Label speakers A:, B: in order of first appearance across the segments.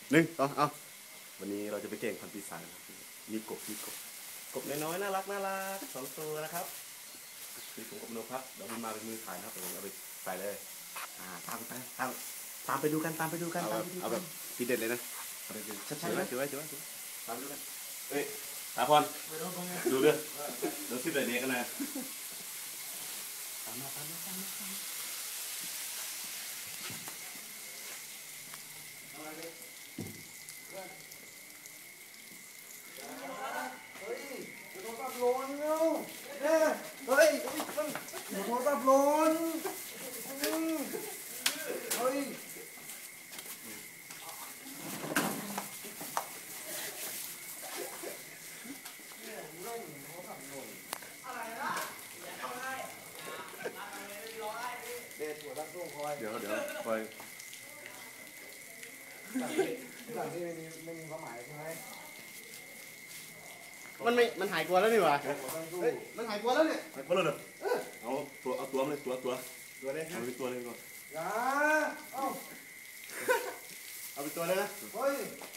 A: หนึ่งสองเอาวันนี้เราจะไปเก่งพันปีศาจนะครับมีกบน้อยๆน่ารักสองตัวนะครับมีถุงกบโนพักเดี๋ยวมันมาเป็นมือถ่ายนะครับเดี๋ยวเอาไปใส่เลยตามไปดูกันเอาแบบทีเด็ดเลยนะชัดๆนะถือไว้ตามไปดูกันเฮ้ยตาพรดูเดี๋ยวสิบเด็ดกันนะตามมา
B: เฮ้ยโทรศัพท์หล่นเนาะเฮ้ยโทรศัพท์หล่นเฮ้ยเด็ดหัวตั้งตู้คอย
A: เดี๋ยวคอย
B: สั่งที่ไม่มีความหมายใช่ไหม
A: มันหายกลัวแล้วนี่หว่า
B: หัวตั้งตู้
A: มันหายกลัวแล้วเนี่ยหายกลัวแล้วเหรอเอาตัวเลยตัว
B: เลย
A: เอาไปตัวเลยก่อน
B: อย่าเอา
A: เอาไปตัวเลยนะ
B: เฮ้ย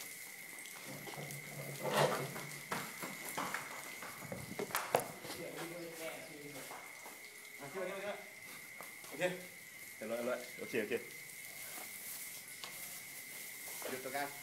A: โอเคเสร็จแล้วโอเคหยุดตัวกัน